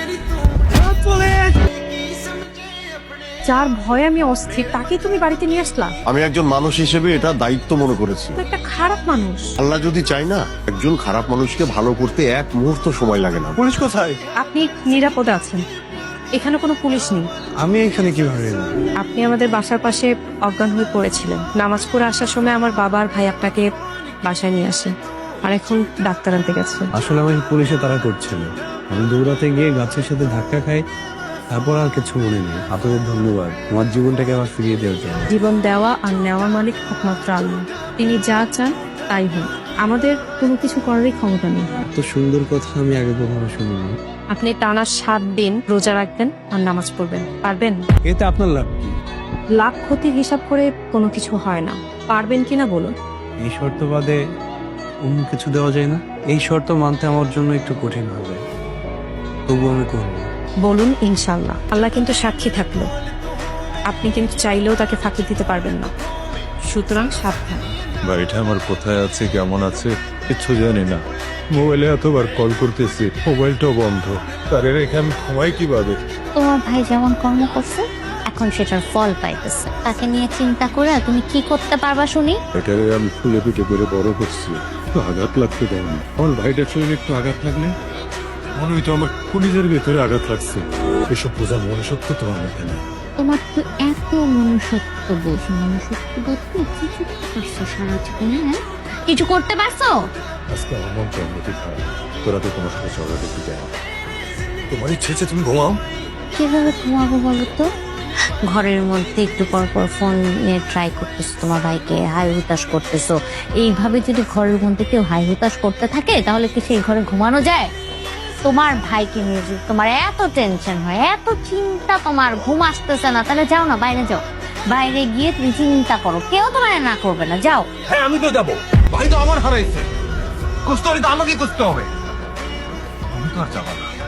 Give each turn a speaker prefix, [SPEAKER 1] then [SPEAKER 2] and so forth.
[SPEAKER 1] যার ভয়ে আমি অস্থির তাকে তুমি বাড়িতে নিয়ে আসলা?
[SPEAKER 2] আমি একজন মানুষ হিসেবে এটা দায়িত্ব মনে করেছি।
[SPEAKER 1] তো একটা খারাপ মানুষ।
[SPEAKER 2] আল্লাহ যদি চাই না, একজন খারাপ মানুষকে ভালো করতে এক মুহূর্ত সময় লাগে না। পুলিশ কোথায়?
[SPEAKER 1] আপনি নিরাপদে আছেন, এখানে কোনো পুলিশ নেই।
[SPEAKER 2] আমি এখানে কিভাবে এলাম?
[SPEAKER 1] আপনি আমাদের বাসার পাশে অজ্ঞান হয়ে পড়েছিলেন। নামাজ পড়ে আসার সময় আমার বাবা আর ভাই আপনাকে বাসায় নিয়ে আসে, আর এখন ডাক্তার আনতে গেছে।
[SPEAKER 3] আসলে আমি পুলিশে তারা করছিল, আমি দৌড়াতে গিয়ে গাছের সাথে ধাক্কা খাই, তারপর আর কিছু মনে নেই। আপনাদের ধন্যবাদ আমার জীবনটাকে আবার ফিরিয়ে দেওয়ার জন্য।
[SPEAKER 1] জীবন দেওয়া আর নেওয়ার মালিক একমাত্র আল্লাহ, তিনি যা চান তাই হয়। আমাদের কোনো কিছু করারই ক্ষমতা নেই।
[SPEAKER 3] এত সুন্দর কথা আমি আগে কখনো শুনিনি।
[SPEAKER 1] আপনি টানা 7 দিন রোজা রাখবেন আর নামাজ পড়বেন, পারবেন?
[SPEAKER 3] এতে আপনার লাভ কি?
[SPEAKER 1] লাভ ক্ষতির হিসাব করে কোনো কিছু হয় না। পারবেন কিনা বলুন?
[SPEAKER 3] এই শর্ত বাদে অন্য কিছু দেওয়া যায় না? এই শর্ত মানতে আমার জন্য একটু কঠিন হবে, তবু আমি করবো।
[SPEAKER 1] বলুন ইনশাল্লাহ। আল্লাহ কিন্তু সাক্ষী থাকলো, আপনি কিন্তু চাইলেও তাকে ফাঁকি দিতে পারবেন না, সুতরাং সাবধান।
[SPEAKER 4] বাড়িটা আমার কোথায় আছে, কেমন আছে কিচ্ছু জানি না। মোবাইলে এতবার কল করতেছি, মোবাইলটাও বন্ধ। তারে রেখে আমি ঘুমাই কিভাবে?
[SPEAKER 5] তোমার ভাই যেমন কর্ম করছে এখন সেটার ফল পাইতেছে। তাকে নিয়ে চিন্তা করে তুমি কি করতে পারবা শুনি?
[SPEAKER 4] এটারে আমি ফুলে পিঠে করে বড় করছি, একটু আঘাত লাগতে দেয়নি। আমার ভাইটার শরীরে একটু আঘাত লাগলে মনে হইতো আমার কলিজের ভেতরে আঘাত লাগছে। এসব বোঝা মনুষ্যত্ব তোমার মধ্যে নেই।
[SPEAKER 5] তোমার তো এত মনুষ্যত্ব বোধ, মনুষ্যত্ব বোধ তুমি কিছু করতে পারছো সারা জীবনে? হ্যাঁ, কিছু করতে পারছো?
[SPEAKER 4] আজকে আমার মনটা অন্যটি খারাপ। তোরা তো তোমার সাথে ঝগড়া দেখতে যায় না। তোমার ইচ্ছে হচ্ছে তুমি ঘুমাও।
[SPEAKER 5] কিভাবে ঘুমাবো বলো তো? ঘরের মধ্যে একটু পর পর ফোন নিয়ে ট্রাই করতেছো, তোমার ভাইকে হাই হুতাশ করতেছো। এইভাবে যদি ঘরের মধ্যে কেউ হাই হুতাশ করতে থাকে তাহলে কি সেই ঘরে ঘুমানো যায়? তোমার ভাইকে নিয়ে যদি তোমার এত টেনশন হয়, এত চিন্তা, তোমার ঘুম আসতেছে না, তাহলে যাও না, বাইরে যাও। বাইরে গিয়ে তুমি চিন্তা করো, কেউ তোমার না করবে না, যাও।
[SPEAKER 6] হ্যাঁ আমি তো যাবো, ভাই তো আমার হারাইছে, খুঁজতে হলে তো আমাকে খুঁজতে হবে। আমি তো আর যাবো না।